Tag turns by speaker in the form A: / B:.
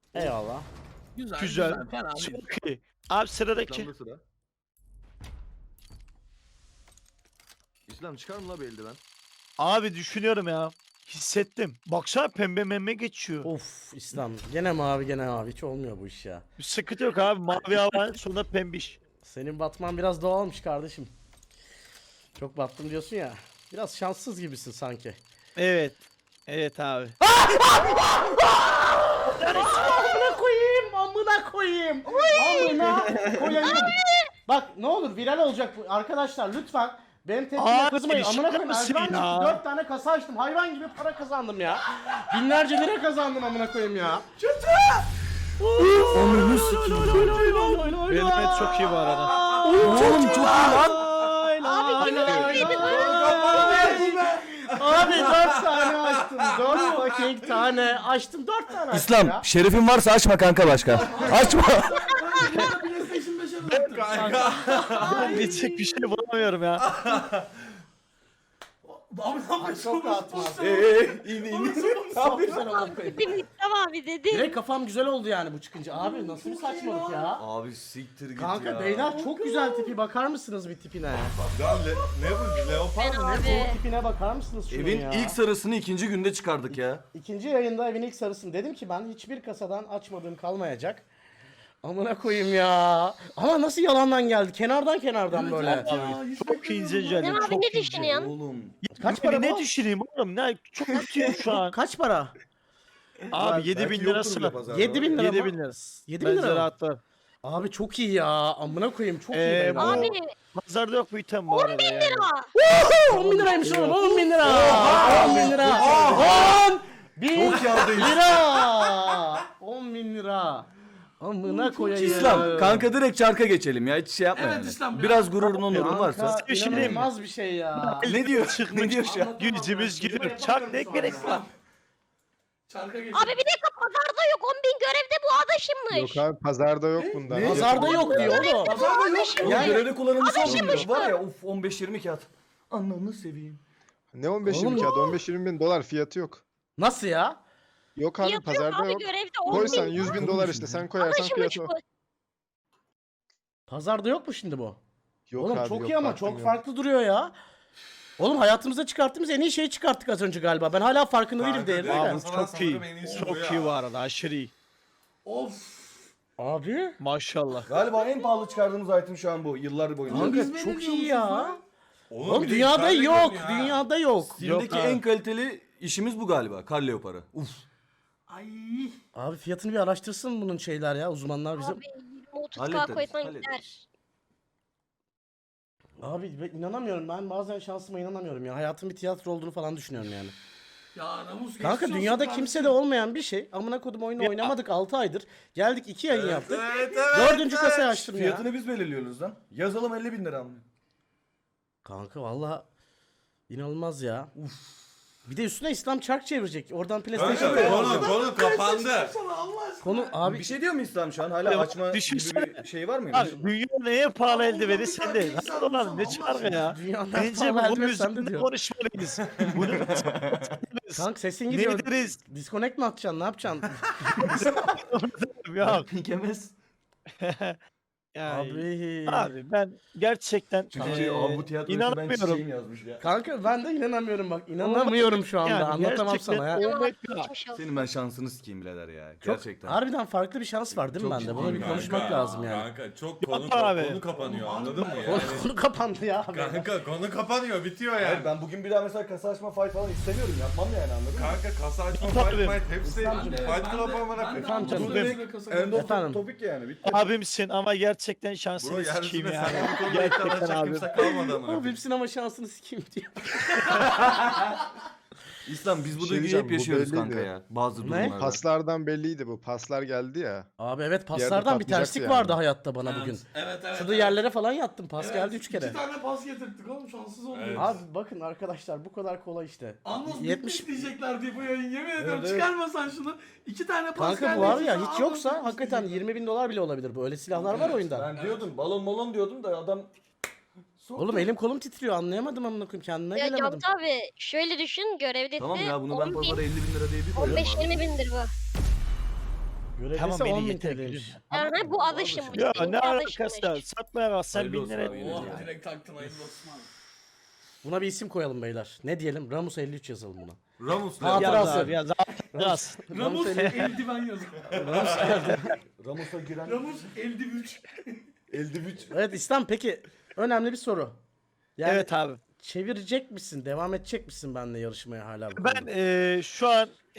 A: Eyvallah.
B: Güzel.
C: Fena değil.
B: Çok iyi. Abi sıradaki.
D: İslam'da sıra. İslam çıkar mı la bir eldiven?
B: Abi düşünüyorum ya. Hissettim. Baksana pembe memme geçiyor.
A: Of İslam. Gene mavi gene mavi. Hiç olmuyor bu iş ya.
B: Bir sıkıntı yok abi. Mavi hava sonra pembiş.
A: Senin batman biraz doğalmış kardeşim. Çok battım diyorsun ya. Biraz şanssız gibisin sanki.
B: Evet. Evet abi.
A: Amına koyayım, amına koyayım. Amına koyayım. Bak ne olur viral olacak bu. Arkadaşlar lütfen benim tepkime
B: Abi,
A: kızmayın. Amına
B: şaka
A: koyayım.
B: mısın
A: Erdoğan
B: ya?
A: çıktı 4 tane kasa açtım. Hayvan gibi para kazandım ya. Binlerce lira kazandım amına koyayım ya.
B: Onu Benim çok iyi bu arada.
A: Oğlum çok iyi lan.
B: Abi
A: Abi 4 tane açtım. 4 fucking tane açtım. 4 tane açtım
E: İslam
A: ya.
E: şerefin varsa açma kanka başka. Açma.
C: PlayStation 5'e döndüm.
B: Ben diyecek bir şey bulamıyorum ya.
C: Abi ne yapıyorsun?
A: Çok rahat var.
C: Çok
A: güzel amına koyayım.
F: Tamam abi dedi.
A: Direkt kafam güzel oldu yani bu çıkınca. Abi nasıl bir saçmalık ya.
D: Abi siktir git
A: Kanka
D: ya.
A: beyler çok güzel tipi, bakar mısınız bir tipine?
G: Ya ne bu? Leopar mı? Ne bu?
F: Abi.
A: Tipine bakar mısınız şunun
D: Evin
A: ya?
D: ilk sarısını ikinci günde çıkardık ya.
A: İkinci yayında evin ilk sarısını dedim ki ben hiçbir kasadan açmadığım kalmayacak. Amına koyayım ya. Ama nasıl yalandan geldi? Kenardan böyle.
B: Çok ince
F: Değil
B: canım.
F: mi abi
B: Çok
F: ne
B: ince.
F: düşünüyorsun?
D: Oğlum.
A: Kaç para
B: Ne
A: bu?
B: düşüneyim oğlum? Ne çok kötüyüm şu an.
A: Kaç para?
B: Abi 7000
G: Belki
B: lirası
G: yoktur
B: var.
G: bile pazarda.
A: 7000 lira
B: 7000
A: mı?
B: lira.
A: 7000 lira
B: Bence
A: mı?
B: rahatlar.
A: Abi çok iyi ya. Amına koyayım çok iyi beyler.
B: bu-
F: Abi
B: Pazarda yok bu item bu arada yani.
F: lira.
A: 10 bin liraymış oğlum 10 bin lira. 10 bin lira. 10 bin lira. 10 bin lira. Amına koyayım.
D: İslam kanka direkt çarka geçelim ya hiç şey yapma
C: Evet,
D: yani.
C: İslam,
D: Biraz gururun onurun varsa.
A: Kanka
B: Bir şey diyeyim mi?
A: inanılmaz bir şey ya.
D: Ne diyor? Ne diyor şu an?
B: Yüzümüz gülür. Çak ne gerek var?
C: Çarka geç.
F: Abi bir dakika pazarda yok 10.000 görevde bu adaşımmış.
H: Yok abi pazarda yok bundan.
A: Pazarda yok diyor oğlum.
D: Oğlum
A: Yani-
D: görevde kullanılması
F: Adaşımmış
D: 10 var ya uf 15-20 kağıt. Ananı seveyim.
H: Ne 15
A: Oğlum
H: 20 kağıt 15-20 bin dolar fiyatı yok.
A: Nasıl ya?
H: Yok abi
F: Fiyatı yok
H: pazarda
F: abi
H: yok.
F: görevde
H: Koysan
F: 10.000.
H: 100 bin dolar işte sen koyarsan
F: Adaşımmış
H: fiyatı
F: bu.
H: o.
A: Pazarda yok mu şimdi bu?
H: Yok
A: Oğlum
H: abi
A: çok
H: yok,
A: iyi ama
H: baktım
A: çok
H: yok.
A: farklı duruyor ya. Oğlum hayatımızda çıkarttığımız en iyi şeyi çıkarttık az önce galiba. Ben hala farkında değilim
G: Kanka,
A: değerli.
G: direkt
B: Abi
G: kasadan
B: çok iyi.
G: sanırım en iyisi bu
B: Çok
G: ya.
B: iyi bu arada. Aşırı iyi.
C: Of.
A: Abi.
B: Maşallah.
D: Galiba en pahalı çıkardığımız item şu an bu yıllar boyunca.
A: Kanka
C: Biz
A: çok
C: ne
A: iyi
C: diyoruz
A: ya.
C: lan?
A: Oğlum
G: bir de
A: dünyada
G: içeride
A: yok.
G: görünüyor ha.
A: Dünyada yok.
D: Steam'deki
B: Yok abi.
D: en kaliteli işimiz bu galiba. Kar leoparı. Uf.
C: Ay.
A: Abi fiyatını bir araştırsın bunun şeyler ya uzmanlar bizim.
F: Abi 30k
D: Hallederiz,
F: koysan
D: hallederiz.
F: gider.
A: Abi ben inanamıyorum ben bazen şansıma inanamıyorum ya. Hayatın bir tiyatro olduğunu falan düşünüyorum yani.
C: Ya Ramus
A: Kanka
C: geçmiş olsun
A: dünyada
C: kardeşim.
A: kimse de olmayan bir şey. Amına kodum oyunu
B: Ya.
A: oynamadık 6 aydır. Geldik 2 yayın yaptık.
G: Evet,
A: 4. kasayı açtım ya.
D: Fiyatını biz belirliyoruz lan. Yazalım 50 bin lira mı?
A: Kanka valla inanılmaz ya. Bir de üstüne İslam çark çevirecek. Oradan PlayStation
G: Kanka konu kapandı.
C: Sana Allah aşkına.
A: Konu abi
D: Bir şey diyor mu İslam şu an? Hala
B: Ya,
D: açma gibi
B: düşünsene.
D: bir şey var mıymış?
B: Abi dünya neye pahalı eldiveni sende. Nasıl olan ne çargı ya?
A: dünyadan
B: Bence
A: pahalı
B: bunun
A: elbet sen de
B: üzerinde
A: diyor.
B: konuşmalıyız. Bunu
A: Kanka sesin
B: ne
A: gidiyor.
B: deriz?
A: Disconnect mi atacaksın? Ne yapacaksın?
B: Yok.
D: Pikemez.
B: Yani,
A: Abi.
B: abi ben gerçekten
D: Çünkü abi bu tiyatroyu ben
B: inanamıyorum.
D: çiçeğim yazmış ya.
A: Kanka ben de inanamıyorum bak. İnanamıyorum şu anda.
B: Yani
A: Anlatamam
B: gerçekten
A: sana ya.
B: olmayı-
F: Geçmiş olsun.
D: Senin ben şansını sikeyim birader ya.
A: Çok
D: Gerçekten.
A: harbiden farklı bir şans var değil mi
D: Çok
A: bende?
D: ciddi
A: Bunu bir
D: kanka.
A: konuşmak lazım yani.
G: Kanka çok
B: Yok abi.
G: konu kapanıyor anladın mı
A: Konu,
G: yani?
A: konu kapandı ya abi.
G: Kanka konu kapanıyor bitiyor
D: Hayır,
G: yani.
D: ben bugün bir daha mesela kasa açma fight falan istemiyorum. Yapmam yani anladın mı?
G: Kanka kasa açma
B: Tabii.
G: fight fight hepsi
A: İslamcığım.
G: fight club amına
A: Efendim
G: koyayım.
A: canım.
D: Bu direkt end of
A: Efendim.
D: topic yani. Bitti.
B: Abimsin ama gerçekten
G: Bro
B: şansını sikeyim
G: yeryüzünde
B: yani.
G: sen bu konuda iddia
B: Gerçekten
G: edecek
B: abi.
G: kimse kalmadı amına
A: Ama
G: koyayım.
A: hepsinin ama şansını sikeyim diyor.
D: İslam biz bu
H: şey
D: duyguyu
H: diyeceğim,
D: hep
H: bu
D: yaşıyoruz
H: belliydi.
D: kanka ya. Bazı
A: Ne?
D: durumlarda.
H: Paslardan belliydi bu. Paslar geldi ya.
A: Abi evet
H: yerde
A: paslardan bir terslik
H: patlayacaktı yani.
A: vardı hayatta bana bugün.
C: Evet evet.
A: Şurada yerlere falan yattım. Pas geldi 3 kere.
C: 2 tane pas getirttik oğlum şanssız oldu.
G: Evet.
A: Abi bakın arkadaşlar bu kadar kolay işte.
C: Anlos
A: 70
C: 70 diyecekler diye bu yayın yemin ediyorum
D: evet.
C: çıkarmasan şunu. 2 tane pas
A: Kanka
C: geldi.
A: bu var ya
C: Sonra
A: hiç yoksa
C: Anlos
A: hakikaten
C: diyecekler.
A: 20 bin dolar bile olabilir bu. Öyle silahlar var oyunda.
D: Ben diyordum balon molon diyordum da adam
A: Oğlum elim kolum titriyor anlayamadım amına koyayım kendime
F: Ya
A: gelemedim.
F: Cantu abi şöyle düşün görevde
D: tamam
F: de
D: ya bunu ben
F: 10.000,
D: pazara 50 bin lira diye bir koyarım
F: 15-20
D: abi.
F: bindir bu.
A: Görevlisi
B: Tamam
A: 10
B: beni
A: bin
B: yeter
A: TL'ymiş.
B: gülüm.
F: Aha, bu adaşımmış.
B: Ya
F: benim
B: ne
F: adaşımmış.
B: alakası var? Satmaya kalksan
G: Hayırlı
B: 1000
G: olsun
B: lira
G: abi,
B: edilir
C: Oh
B: yani.
C: direkt taktın hayırlı olsun abi.
A: Buna bir isim koyalım beyler. Ne diyelim? Ramus 53 yazalım buna.
G: Ramus
A: Hatıra
G: ne?
B: Yaz
A: Hatırası.
B: abi yaz. Yaz.
C: Ramus eldiven yazın.
D: Ramus'a giren
C: Ramus eldiven.
D: eldivüç.
A: Evet İslam, peki önemli bir soru. Yani
B: Evet abi.
A: çevirecek misin? Devam edecek misin benimle yarışmaya hala? bu
B: Ben
A: konuda?
B: şu an